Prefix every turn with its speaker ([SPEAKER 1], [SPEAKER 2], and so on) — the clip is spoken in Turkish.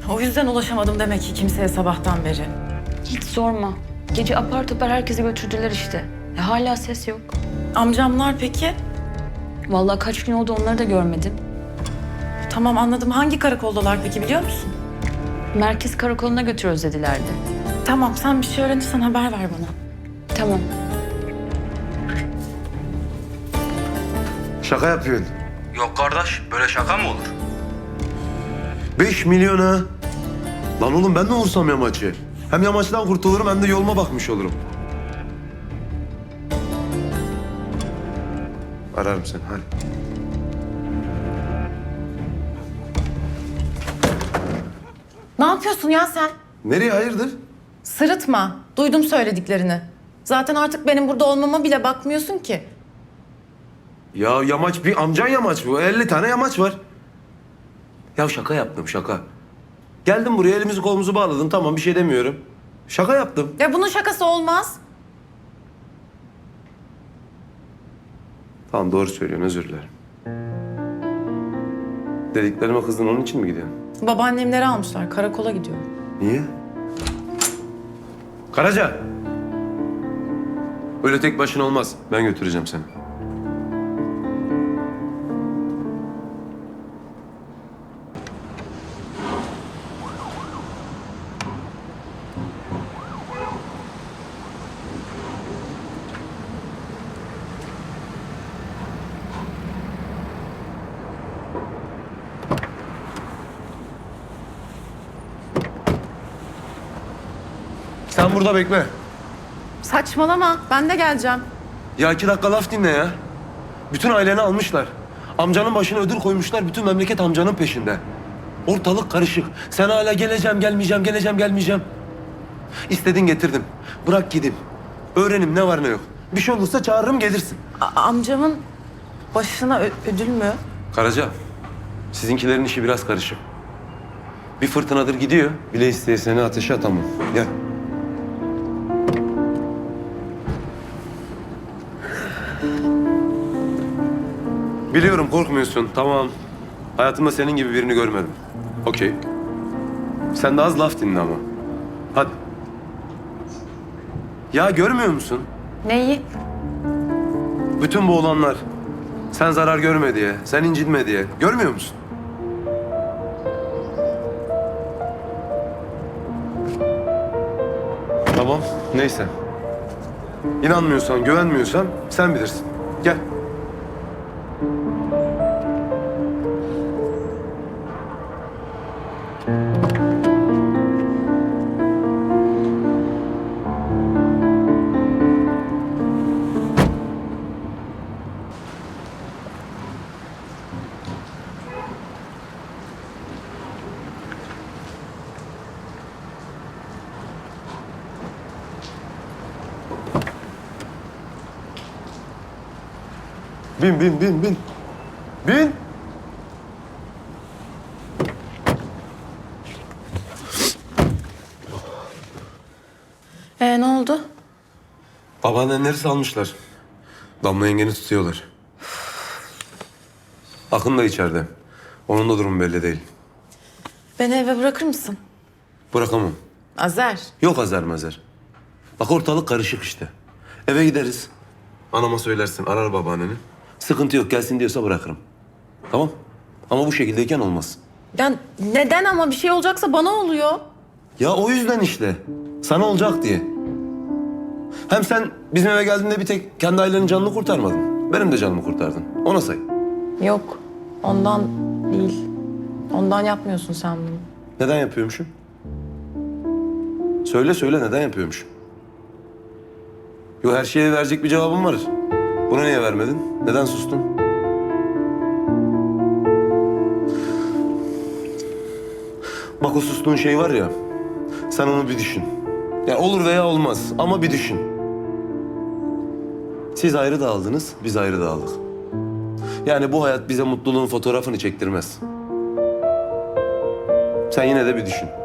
[SPEAKER 1] O yüzden ulaşamadım demek ki kimseye sabahtan beri.
[SPEAKER 2] Hiç sorma. Gece apar topar herkesi götürdüler işte. Hala ses yok.
[SPEAKER 1] Amcamlar peki?
[SPEAKER 2] Vallahi kaç gün oldu onları da görmedim.
[SPEAKER 1] Tamam anladım. Hangi karakoldalar peki biliyor musun?
[SPEAKER 2] Merkez karakoluna götürüyoruz dedilerdi.
[SPEAKER 1] Tamam sen bir şey öğrenirsen haber ver bana.
[SPEAKER 2] Tamam.
[SPEAKER 3] Şaka yapıyorsun.
[SPEAKER 4] Yok kardeş, böyle şaka mı olur?
[SPEAKER 3] 5 milyon ha. Lan oğlum ben de vursam yamaçı. Hem yamaçtan kurtulurum hem de yoluma bakmış olurum. Ararım seni hadi.
[SPEAKER 1] Ne yapıyorsun ya sen?
[SPEAKER 3] Nereye hayırdır?
[SPEAKER 1] Sırıtma. Duydum söylediklerini. Zaten artık benim burada olmama bile bakmıyorsun ki.
[SPEAKER 3] Ya yamaç bir amcan yamaç bu. 50 tane yamaç var. Ya şaka yaptım şaka. Geldim buraya elimizi kolumuzu bağladın tamam bir şey demiyorum. Şaka yaptım.
[SPEAKER 1] Ya bunun şakası olmaz.
[SPEAKER 3] Tamam doğru söylüyorsun özür dilerim. Dediklerime kızdın onun için mi gidiyorsun?
[SPEAKER 1] Babaannemleri almışlar. Karakola gidiyorum.
[SPEAKER 3] Niye? Karaca! Öyle tek başına olmaz. Ben götüreceğim seni. Sen burada bekle.
[SPEAKER 1] Saçmalama. Ben de geleceğim.
[SPEAKER 3] Ya 2 dakika laf dinle ya. Bütün aileni almışlar. Amcanın başına ödül koymuşlar. Bütün memleket amcanın peşinde. Ortalık karışık. Sen hala geleceğim, gelmeyeceğim, geleceğim, gelmeyeceğim. İstedin getirdim. Bırak gideyim. Öğrenim ne var ne yok. Bir şey olursa çağırırım gelirsin.
[SPEAKER 1] Amcamın başına ödül mü?
[SPEAKER 3] Karaca, sizinkilerin işi biraz karışık. Bir fırtınadır gidiyor. Bile isteye seni ateşe atamam. Gel. Biliyorum korkmuyorsun. Tamam. Hayatımda senin gibi birini görmedim. Okey. Sen de az laf dinle ama. Hadi. Ya görmüyor musun?
[SPEAKER 1] Neyi?
[SPEAKER 3] Bütün bu olanlar. Sen zarar görme diye, sen incinme diye. Görmüyor musun? Tamam, neyse. İnanmıyorsan, güvenmiyorsan sen bilirsin. Gel. Bin, bin, bin, bin. Bin.
[SPEAKER 1] Ne oldu?
[SPEAKER 3] Babaannenleri salmışlar. Damla yengeni tutuyorlar. Akın da içeride. Onun da durumu belli değil.
[SPEAKER 1] Beni eve bırakır mısın?
[SPEAKER 3] Bırakamam.
[SPEAKER 1] Azer.
[SPEAKER 3] Yok azar mazar. Bak ortalık karışık işte. Eve gideriz. Anama söylersin, arar babaanneni. Sıkıntı yok, gelsin diyorsa bırakırım. Tamam? Ama bu şekildeyken olmaz.
[SPEAKER 1] Ya neden ama bir şey olacaksa bana oluyor.
[SPEAKER 3] Ya o yüzden işte. Sana olacak diye. Hem sen bizim eve geldiğinde bir tek kendi ailenin canını kurtarmadın. Benim de canımı kurtardın. Ona say.
[SPEAKER 1] Yok. Ondan değil. Ondan yapmıyorsun sen bunu.
[SPEAKER 3] Neden yapıyormuşum? Söyle söyle neden yapıyormuşum? Yo her şeye verecek bir cevabım var. Bunu niye vermedin? Neden sustun? Bak o sustuğun şey var ya. Sen onu bir düşün. Ya olur veya olmaz ama bir düşün. Siz ayrı dağıldınız, biz ayrı dağıldık. Yani bu hayat bize mutluluğun fotoğrafını çektirmez. Sen yine de bir düşün.